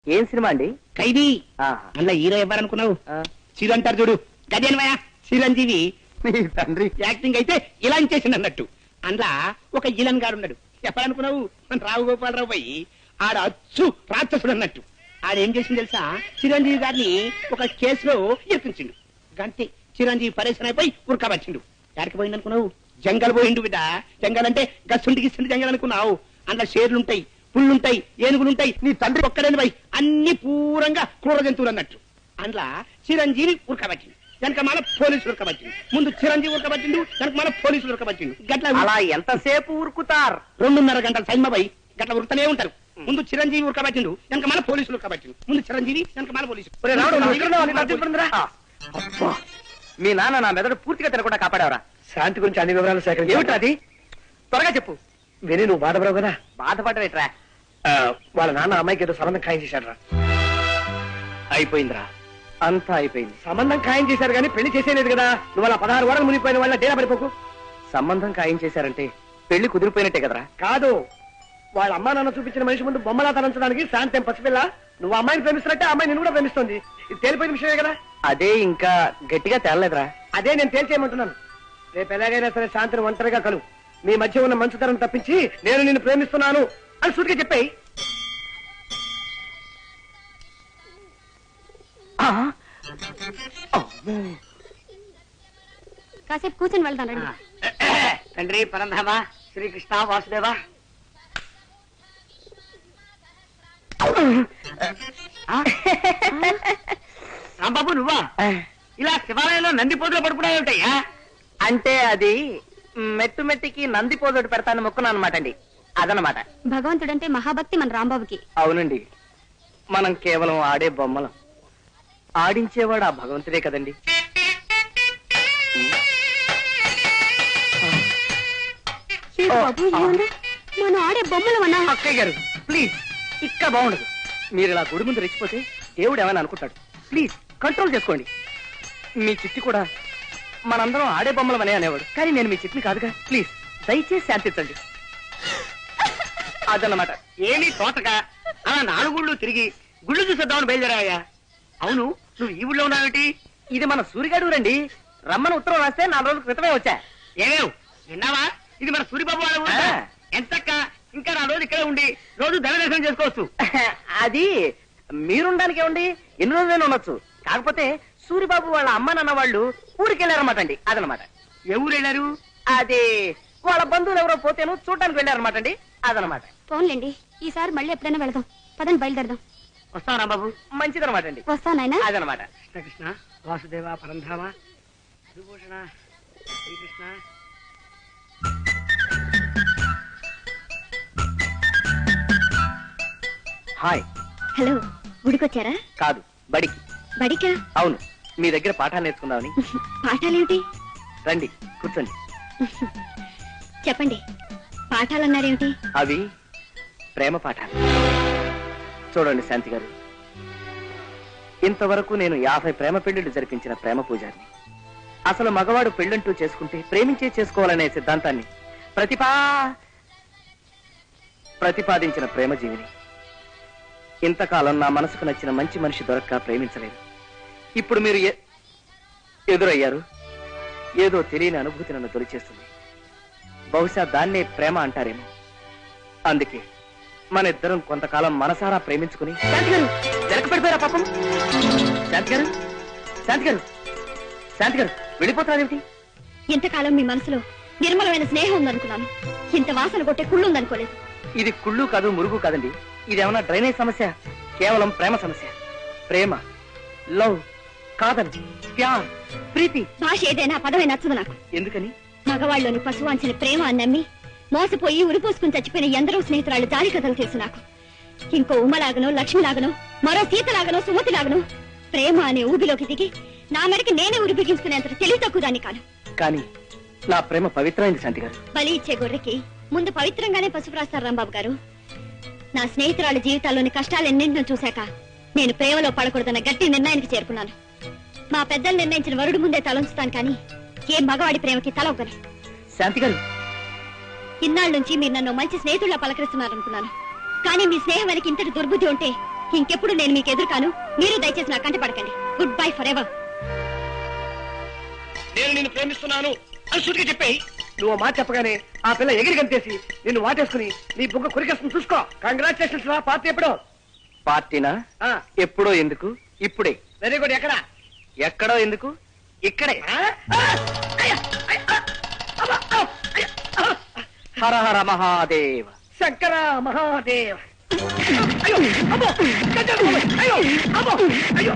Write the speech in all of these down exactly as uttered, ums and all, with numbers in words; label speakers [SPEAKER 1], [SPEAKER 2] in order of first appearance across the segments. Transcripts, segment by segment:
[SPEAKER 1] ఏం సినిమా అండి?
[SPEAKER 2] ఖైదీ. అందులో హీరో ఎవరనుకున్నావు? చిరు అంటారు చూడు, గదేనమయ్య చిరంజీవి.
[SPEAKER 1] తండ్రి
[SPEAKER 2] యాక్టింగ్ అయితే ఇలా చేసింది అన్నట్టు. అందులో ఒక ఇలన్ గారు ఉన్నాడు. ఎవరనుకున్నావు? మన రావు గోపాలరావు పోయి ఆడ అచ్చు రాక్షసుడు అన్నట్టు. ఆడేం చేసింది తెలుసా? చిరంజీవి గారిని ఒక కేసులో ఇరికించిండు. గంతే చిరంజీవి పరేషన్ అయిపోయి ఉరకబచ్చిండు. ఎక్కడికి పోయింది అనుకున్నావు? జంగల్ పోయిండు బిడ్డ. జంగల్ అంటే గస్సుంటి గిస్తుంటి జంగల్ అనుకున్నావు. అందులో షేర్లుంటాయి, పుళ్ళుంటాయి, ఏనుగులుంటాయి. నీ తండ్రి ఒక్కడని పోయి అన్ని పూరంగా క్రూర జంతువులు అన్నట్టు. అందులో చిరంజీవి ఉరకబట్టిండు. వెనక మన పోలీసులు ఉరకబట్టిండు. ముందు చిరంజీవి ఉరకబట్టిండు, వెనక మన పోలీసులు ఉరకబట్టిండు. గట్ల
[SPEAKER 1] అలా ఎంతసేపు ఉరుకుతారు?
[SPEAKER 2] రెండున్నర గంటల సైన్మ పోయి గట్ల ఉరుకుతూనే ఉంటారు. ముందు చిరంజీవి ఉరకబట్టిండు, వెనక మన పోలీసులు ఉరకబట్టిండు. ముందు చిరంజీవి, వెనక మన పోలీసులు.
[SPEAKER 1] మీ నాన్న నా మెదడు పూర్తిగా తినకుండా కాపాడావరా?
[SPEAKER 3] శాంతి గురించి అన్ని వివరాలు సేకరించి
[SPEAKER 1] ఏమిట్రా అది? త్వరగా చెప్పు.
[SPEAKER 3] విని నువ్వు బాధపడవు కదా?
[SPEAKER 1] బాధపడవేట్రా?
[SPEAKER 3] వాళ్ళ నాన్న అమ్మాయికి ఏదో సంబంధం ఖాయం చేశాడు రా.
[SPEAKER 1] అయిపోయిందిరా, అంతా అయిపోయింది.
[SPEAKER 3] సంబంధం ఖాయం చేశారు కానీ పెళ్లి చేసేలేదు కదా. నువ్వు అలా పదహారు వారాలు మునిగిపోయిన వాళ్ళ డేరా పడిపోకు.
[SPEAKER 1] సంబంధం ఖాయం చేశారంటే పెళ్లి కుదిరిపోయినట్టే కదరా?
[SPEAKER 3] కాదు, వాళ్ళ అమ్మా నాన్న చూపించిన మనిషి ముందు బొమ్మలా తలంచడానికి శాంతి ఏం పసిపిల్ల. నువ్వు అమ్మాయిని ప్రేమిస్తున్నట్టే అమ్మాయి నిన్ను కూడా ప్రేమిస్తుంది. ఇది తేలిపోయిన విషయమే కదా.
[SPEAKER 1] అదే ఇంకా గట్టిగా తేలలేదురా.
[SPEAKER 3] అదే నేను తేల్చేయమంటున్నాను. రేపు ఎలాగైనా సరే శాంతిని ఒంటరిగా కలు. మీ మధ్య ఉన్న మంచుతనం తప్పించి నేను నిన్ను ప్రేమిస్తున్నాను అని సూటిగా చెప్పాయి.
[SPEAKER 4] కాసేపు కూర్చొని వెళ్తాను.
[SPEAKER 2] తండ్రి పరంధామ శ్రీకృష్ణ వాసుదేవ. రాంబాబు నువ్వా? ఇలా శివాలయంలో నంది పోతులు పడుకున్నాయేమిటయ్యా?
[SPEAKER 1] అంటే అది మెట్టు మెట్టికి నంది పోదోటి పెడతాను మొక్కున్నాను అనమాట అండి. అదనమాట.
[SPEAKER 4] భగవంతుడంటే మహాభక్తి మన రాంబాబుకి.
[SPEAKER 1] అవునండి, మనం కేవలం ఆడే బొమ్మలం. ఆడించేవాడు ఆ భగవంతుడే కదండి.
[SPEAKER 4] బాబు మనం ఆడే బొమ్మలు అన్నా.
[SPEAKER 1] అక్కయ్య గారు ప్లీజ్, ఇక్కడ బాగుండదు. మీరు ఇలా గుడి ముందు రెచ్చిపోతే దేవుడు ఏమైనా అనుకుంటాడు. ప్లీజ్ కంట్రోల్ చేసుకోండి. మీ చిట్టి కూడా మనందరం ఆడే బొమ్మలం అనే అనేవాడు, కానీ నేను మీ చిట్టిని కాదుగా. ప్లీజ్ దయచేసి శాంతించండి. అదన్నమాట.
[SPEAKER 2] ఏమీ తోటగా అలా నాలుగుళ్ళు తిరిగి గుళ్ళు చూసేద్దామని బయలుదేరాయా? అవును, నువ్వు ఈ ఊళ్ళో ఉన్నావేటి?
[SPEAKER 1] ఇది మన సూరిగాడు రండి. రమ్మని ఉత్తరం రాస్తే నాలుగు రోజుల క్రితమే వచ్చా.
[SPEAKER 2] ఏమేవ్ విన్నావా? ఇది మన సూరిబాబు వాళ్ళ ఊరు. ఎంతక్క ఇంకా నా రోజు ఇక్కడే ఉండి రోజు దైవదర్శనం చేసుకోవచ్చు.
[SPEAKER 1] అది మీరుండానికే ఉండి ఎన్ని రోజులైనా ఉండొచ్చు. కాకపోతే సూరిబాబు వాళ్ళ అమ్మ నాన్న వాళ్ళు ఊరికి వెళ్ళారన్నమాట అండి. అదనమాట.
[SPEAKER 2] ఏ ఊరు వెళ్ళారు?
[SPEAKER 1] అది వాళ్ళ బంధువులు ఎవరో పోతేను చూడటానికి వెళ్ళారన్నమాట అండి. అదనమాట.
[SPEAKER 4] ఫోన్లేండి, ఈసారి మళ్ళీ ఎప్పుడైనా వెళదాం. పదండి బయలుదేరదాం.
[SPEAKER 2] వస్తావా బాబు?
[SPEAKER 1] మంచిదనమాట అండి.
[SPEAKER 4] వస్తానైనా.
[SPEAKER 1] అదనమాట.
[SPEAKER 2] కృష్ణ వాసుదేవ పరంధామ విభూషణ శ్రీకృష్ణ.
[SPEAKER 1] హాయ్.
[SPEAKER 4] హలో, గుడికొచ్చారా?
[SPEAKER 1] కాదు, బడికి.
[SPEAKER 4] బడికా?
[SPEAKER 1] అవును, మీ దగ్గర పాఠాలు నేర్చుకుందామని.
[SPEAKER 4] పాఠాలేమిటి?
[SPEAKER 1] రండి కూర్చోండి.
[SPEAKER 4] చెప్పండి, పాఠాలన్నారేమిటి?
[SPEAKER 1] అవి ప్రేమ పాఠాలు. చూడండి శాంతి గారు, ఇంతవరకు నేను యాభై ప్రేమ పెళ్లిళ్లు జరిపించిన ప్రేమ పూజారిని. అసలు మగవాడు పెళ్ళంటూ చేసుకుంటే ప్రేమించే చేసుకోవాలనే సిద్ధాంతాన్ని ప్రతిపా ప్రతిపాదించిన ప్రేమ జీవిని. ఇంతకాలం నా మనసుకు నచ్చిన మంచి మనిషి దొరక్క ప్రేమించలేదు. ఇప్పుడు మీరు ఎదురయ్యారు. ఏదో తెలియని అనుభూతి నన్ను తొలిచేస్తుంది. బహుశా దాన్నే ప్రేమ అంటారేమో. అందుకే మన ఇద్దరం కొంతకాలం మనసారా ప్రేమించుకుని. శాంతి గారు వెనక పడిపోయారా పాపం? శాంతి గారు శాంతి గారు శాంతి గారు వెళ్ళిపోతారేమిటి?
[SPEAKER 4] ఇంతకాలం మీ మనసులో నిర్మలమైన స్నేహం ఉందనుకున్నాను. ఇంత వాసన కొట్టే కుళ్ళు ఉందనుకోలేదు.
[SPEAKER 1] ఇది కుళ్ళు కాదు, మురుగు కాదండి. ఇదేమన్నా డ్రైనేజ్ సమస్య? కేవలం ప్రేమ సమస్య. ప్రేమ, లవ్, కాదల్, ప్యార్, ప్రీతి.
[SPEAKER 4] భాష ఏదైనా పదమే నచ్చదు నాకు.
[SPEAKER 1] ఎందుకని?
[SPEAKER 4] మగవాళ్ళలోని పశువాంచిన ప్రేమ అని నమ్మి మోసపోయి ఉరిపోసుకుని చచ్చిపోయిన ఎందరో స్నేహితురాళ్ళు జాలి కథలు తెలుసు నాకు. ఇంకో ఉమ్మలాగనో, లక్ష్మిలాగనో, మరో సీతలాగనో, సుమతిలాగనో ప్రేమ అనే ఊబిలోకి దిగి నా మెడకి నేనే ఉరి బిగించుకునేంత తెలివి తక్కువ దాన్ని కాను.
[SPEAKER 1] కానీ నా ప్రేమ పవిత్రమైంది శాంతి గారు.
[SPEAKER 4] బలి ఇచ్చే గొర్రెకి ముందు పవిత్రంగానే పసుపు రాస్తారు రాంబాబు గారు. నా స్నేహితురాల జీవితాల్లోని కష్టాలెన్నింటినో చూశాక నేను ప్రేమలో పడకూడదన్న గట్టి నిర్ణయానికి చేరుకున్నాను. మా పెద్దలు నిర్ణయించిన వరుడు ముందే తలంచుతాను, కానీ ఏ మగవాడి ప్రేమకి తల ఒక్కను.
[SPEAKER 1] శాంతి గారు,
[SPEAKER 4] ఇన్నాళ్ళ నుంచి మీరు నన్ను మంచి స్నేహితుల్లా పలకరిస్తున్నారనుకున్నాను, కానీ మీ స్నేహం వెనక ఇంతటి దుర్బుద్ధి ఉంటే ఇంకెప్పుడు నేను మీకు ఎదురు కాను. మీరు దయచేసి నా కంట పడకండి. Goodbye forever.
[SPEAKER 2] నేను నిన్ను ప్రేమిస్తున్నాను అని సూటిగా చెప్పాయి.
[SPEAKER 3] నువ్వు మాట చెప్పగానే ఆ పిల్ల ఎగిరి గంతేసి నిన్ను వాటేసుకుని నీ బుగ్గ కొరికేస్తుంది చూసుకో. కంగ్రాచులేషన్స్ రా. పార్టీ ఎప్పుడో?
[SPEAKER 1] పార్టీనా? ఎప్పుడో ఎందుకు, ఇప్పుడే.
[SPEAKER 3] Very good. ఎక్కడ?
[SPEAKER 1] ఎక్కడో ఎందుకు, ఇక్కడే. హర హర మహాదేవ.
[SPEAKER 3] శంకర మహాదేవ. అయ్యో అమ్మో, అయ్యో అమ్మో, అయ్యో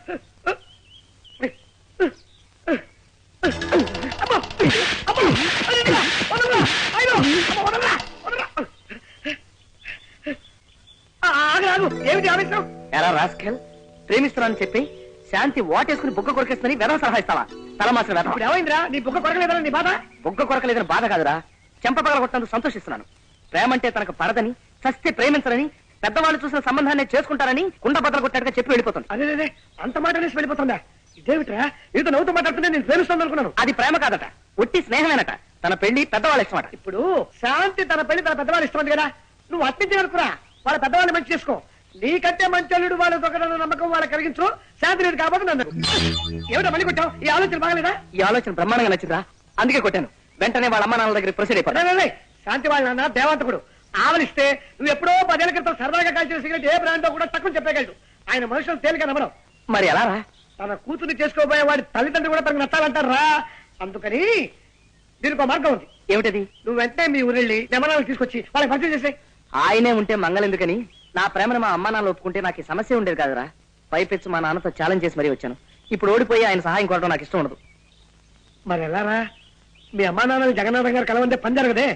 [SPEAKER 3] ఏమిటి ఆవేశం?
[SPEAKER 1] ఎలా రాస్కెల్, ప్రేమిస్తున్నానని చెప్పి శాంతి వాటేసుకుని బుగ్గ కొరకేస్తుందని వెధవ సలహా ఇస్తావా? తలమాసిన వెధవ.
[SPEAKER 3] ఇప్పుడు ఏమైందిరా? నీ బుగ్గ కొరకలేదని నీ బాధ?
[SPEAKER 1] బుగ్గ కొరకలేదని బాధ కాదురా, చెంప పగలగొట్టడానికి సంతోషిస్తున్నాను. ప్రేమంటే తనకు పడదని, చస్తే ప్రేమించరని, పెద్దవాళ్ళు చూసిన సంబంధాన్ని చేసుకుంటారని కుండ బద్దలు కొట్టాడుగా చెప్పి వెళ్ళిపోతుంది.
[SPEAKER 3] అదే అంత మాట అనేసి వెళ్ళిపోతుందా? ఇదేమిట్రా ఏదో నవ్వుతూ మాట్లాడుతుంటే నేను ప్రేమిస్తాను అనుకున్నాను.
[SPEAKER 1] అది ప్రేమ కాదట, ఒట్టి స్నేహమేనట. తన పెళ్లి పెద్దవాళ్ళు ఇష్టమట.
[SPEAKER 3] ఇప్పుడు శాంతి తన పెళ్లి తన పెద్దవాళ్ళు ఇష్టం కదా, నువ్వు అట్టించి అనుకురా. వాళ్ళ పెద్దవాళ్ళు మంచి చేసుకో. నీకంటే మంచి అల్లుడు వాళ్ళ దొంగదన్న నమ్మకం వాళ్ళకి కలిగించు. శాంతి లేదు కాబట్టి నన్ను ఏమిటో మళ్ళీ కొట్టావు? ఈ ఆలోచన బాగలేదా?
[SPEAKER 1] ఈ ఆలోచన బ్రహ్మాండంగా నచ్చిందా, అందుకే కొట్టాను. వెంటనే వాళ్ళ అమ్మ నాన్నల దగ్గర ప్రొసీడ్ అయిపోయి.
[SPEAKER 3] శాంతి వాళ్ళ నాన్న దేవంతకుడు. ఆవలిస్తే నువ్వు ఎప్పుడో పదేళ్ల క్రితం సరదాగా కాల్చిన సిగరెట్ ఏ బ్రాండో కూడా తక్కువ చెప్పగలడు. ఆయన మనుషులు తేలిక నమ్మడం.
[SPEAKER 1] మరి ఎలా రా?
[SPEAKER 3] తన కూతుర్ని చేసుకోబోయే వాడి తల్లిదండ్రులు కూడా తనకు నచ్చాలంటారు రా. అందుకని దీనికి ఒక మార్గం ఉంది.
[SPEAKER 1] ఏమిటది?
[SPEAKER 3] నువ్వు వెంటనే మీ ఊరెళ్ళి జమనాలు తీసుకొచ్చి వాళ్ళకి పరిచయం చేసే.
[SPEAKER 1] ఆయనే ఉంటే మంగళెందుకని నా ప్రేమను మా అమ్మ నాన్న ఒప్పుకుంటే నాకు ఈ సమస్య ఉండేది కాదురా. పైపెచ్చు మా నాన్నతో ఛాలెంజ్ చేసి మరీ వచ్చాను. ఇప్పుడు ఓడిపోయి ఆయన సహాయం కోరడం నాకు ఇష్టం ఉండదు.
[SPEAKER 3] మరి ఎలా రా? మీ అమ్మా నాన్న జగన్నాథం గారు కలవంటే పని జరగదే.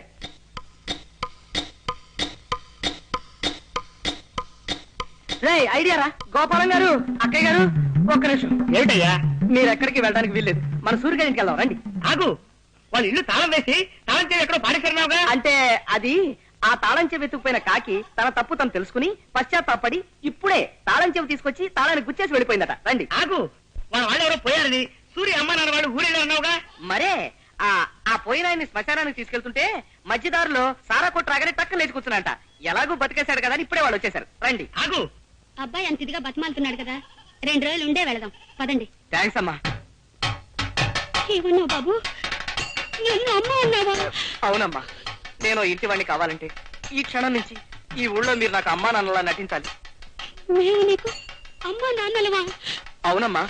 [SPEAKER 1] రే ఐడియా రా. గోపాలం గారు, అక్కయ్య గారు, ఒక్క నిమిషం.
[SPEAKER 2] ఏమిటయ్యా?
[SPEAKER 1] మీరు ఎక్కడికి వెళ్ళడానికి వీల్లేదు. మన సూర్యగారి ఇంటికి వెళ్దాం రండి.
[SPEAKER 2] ఆగు, వాళ్ళు ఇల్లు తాళం వేసి తాళం చేసి ఎక్కడో పాడేశారున్నావుగా.
[SPEAKER 1] అంటే అది ఆ తాళం చెవి వెతుకుపోయిన కాకి తన తప్పు తను తెలుసుకుని పశ్చాత్తాపడి ఇప్పుడే తాళం చెవి తీసుకొచ్చి తాళాన్ని గుచ్చేసి వెళ్ళిపోయిందట. రండి.
[SPEAKER 2] ఆగు, వాళ్ళ వాళ్ళు ఎవరో పోయారని సూర్య అమ్మ నాన్న వాళ్ళు ఊరేళ్ళు అన్నావుగా.
[SPEAKER 1] మరే ఆ ఆ పోయిన ఆయన్ని శ్మశానానికి తీసుకెళ్తుంటే మధ్యదారులో సారా కొట్టు రాగానే టక్కన లేచి కూర్చున్నాంట. ఎలాగూ బతికేశాడు కదా అని ఇప్పుడే వాళ్ళు వచ్చేసారు. రండి.
[SPEAKER 2] ఆగు,
[SPEAKER 4] అబ్బాయి అంత ఇదిగా బతిమాలుతున్నాడు కదా, రెండు రోజులు ఉండే వెళదాం. పదండి.
[SPEAKER 1] థ్యాంక్స్ అమ్మా.
[SPEAKER 4] ఏమన్నావు బాబు? నన్ను అమ్మ అన్నావా?
[SPEAKER 1] అవునమ్మా, నేను ఇంటి వాడిని కావాలంటే ఈ క్షణం నుంచి ఈ ఊళ్ళో మీరు నాకు అమ్మా నాన్నలా నటించాలి.
[SPEAKER 4] మేము నీకు అమ్మ నాన్నలవా?
[SPEAKER 1] అవునమ్మా.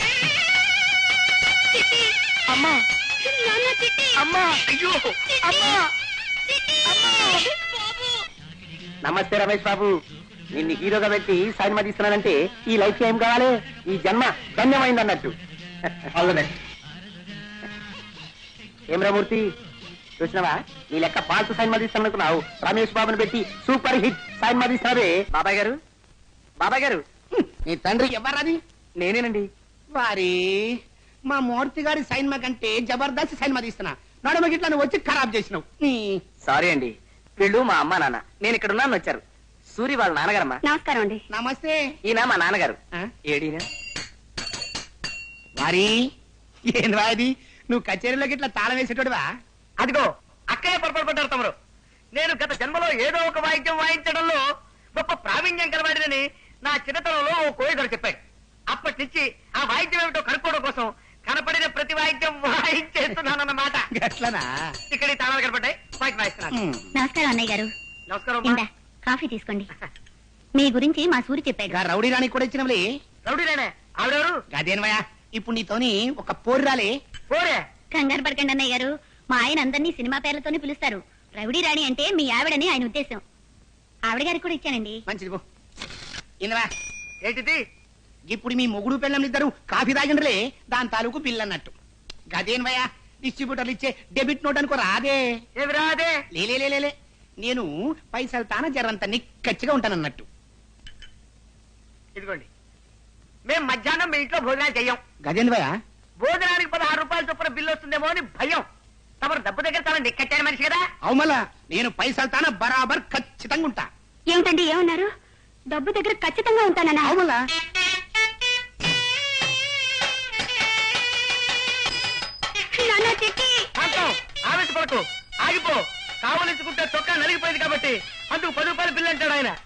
[SPEAKER 1] అమ్మా,
[SPEAKER 4] నాన్న చిట్టి.
[SPEAKER 1] అమ్మా, అయ్యో అమ్మా. నమస్తే రమేష్ బాబు. నిన్ను హీరోగా పెట్టి సినిమా తీస్తున్నానంటే ఈ లైఫ్ ఏం కావాలి? ఈ జన్మ ధన్యమైంది అన్నట్టు. అవునే ఏం రామూర్తి, చూసినావా? నీ లెక్క పాల్తు సినిమా తీస్తానుకున్నావు. రమేష్ బాబుని పెట్టి సూపర్ హిట్ సినిమా తీస్తున్నావే. బాబాయ్ గారు, బాబాయ్ గారు,
[SPEAKER 2] నీ తండ్రి ఎవరది?
[SPEAKER 1] నేనేనండి.
[SPEAKER 2] వారి మా మూర్తి గారి సైన్మా కంటే జబర్దస్త్ సైన్మా తీస్తున్నా. నడుమ గిట్లా నువ్వు వచ్చి ఖరాబ్ చేసినావు.
[SPEAKER 1] సారీ అండి, వీళ్ళు మా అమ్మా నాన్న. నేను ఇక్కడ ఉన్నాను వచ్చారు. సూరి వాళ్ళ నాన్నగారమ్మా.
[SPEAKER 4] నమస్కారం అండి.
[SPEAKER 2] నమస్తే.
[SPEAKER 1] ఈయన మా నాన్నగారు.
[SPEAKER 2] ఆ?
[SPEAKER 1] ఏడీనా?
[SPEAKER 2] వారి ఏంది వాది, నువ్వు కచేరీలోకి ఇట్లా తాళం వేసేటోడివా?
[SPEAKER 1] అదిగో అక్కయ్య పొరపాటు పడ్డారు తమరు. నేను గత జన్మలో ఏదో ఒక వాయిద్యం వాయించడంలో గొప్ప ప్రావీణ్యం కలవాడినని నా చిన్నతనంలో ఓ కోయిదరు చెప్పాడు. అప్పటి నుంచి ఆ వాయిద్యం ఏమిటో కనుక్కోవడం కోసం కనపడిన ప్రతి వాయిద్యం వాయించేస్తున్నానన్నమాట.
[SPEAKER 2] అట్లనా?
[SPEAKER 1] ఇక్కడ ఈ తాళాలు కనపడ్డాయి, వాయిద్యం వాయిస్తున్నాను.
[SPEAKER 4] నమస్కారం అన్నయ్య గారు.
[SPEAKER 1] నమస్కారం.
[SPEAKER 4] ఇందా కాఫీ తీసుకోండి. మీ గురించి మా సూరి చెప్పాడు.
[SPEAKER 2] గా రౌడీ రాణి కూడా ఇచ్చినవులే.
[SPEAKER 1] రౌడీలేనే ఆవిడెవరు?
[SPEAKER 2] గదేనవయా, ఇప్పుడు నీతోని ఒక పోరు రాలే.
[SPEAKER 1] పోరే.
[SPEAKER 4] కంగారు పడకండి అన్నయ్య గారు, మా ఆయన అందరినీ సినిమా పేర్లతోనే పిలుస్తారు. రౌడీ రాణి అంటే మీ ఆవిడని ఆయన ఉద్దేశం. ఆవిడ గారికి కూడా ఇచ్చానండి.
[SPEAKER 2] మంచిది పో. ఇందవా
[SPEAKER 1] ఏంటిది?
[SPEAKER 2] ఇప్పుడు మీ మొగుడు పిల్లలు ఇద్దరు కాఫీ తాగిండ్రలే, దాని తాలూకు బిల్ అన్నట్టు. గదేనవయా, డిస్ట్రిబ్యూటర్లు ఇచ్చే డెబిట్ నోట్ అనుకో రాదే.
[SPEAKER 1] ఏమి రాదే?
[SPEAKER 2] లేలే, నేను పైసలు తాన జరంత నిక్కచ్చిగా ఉంటానన్నట్టు.
[SPEAKER 1] ఇదిగోండి, మేము మధ్యాహ్నం మీ ఇంట్లో భోజనాలు చెయ్యం.
[SPEAKER 2] గదేంద్రయ్య,
[SPEAKER 1] భోజనానికి పదహారు రూపాయల చొప్పున బిల్లు వస్తుందేమో అని భయం. తమరు డబ్బు దగ్గర తన నిక్కచ్చారు మనిషి కదా.
[SPEAKER 2] అవుమలా, నేను పైసలు తాన బరాబర్ ఖచ్చితంగా ఉంటా.
[SPEAKER 4] ఏమిటండి ఏమన్నారు? డబ్బు దగ్గర ఖచ్చితంగా ఉంటానన్నా?
[SPEAKER 2] అవుమలా.
[SPEAKER 1] ఆవేశపడకు, ఆగిపో. కావలించుకుంటే చొక్కా నలిగిపోయింది కాబట్టి అందుకు పది రూపాయలు బిల్లు అంటాడు ఆయన.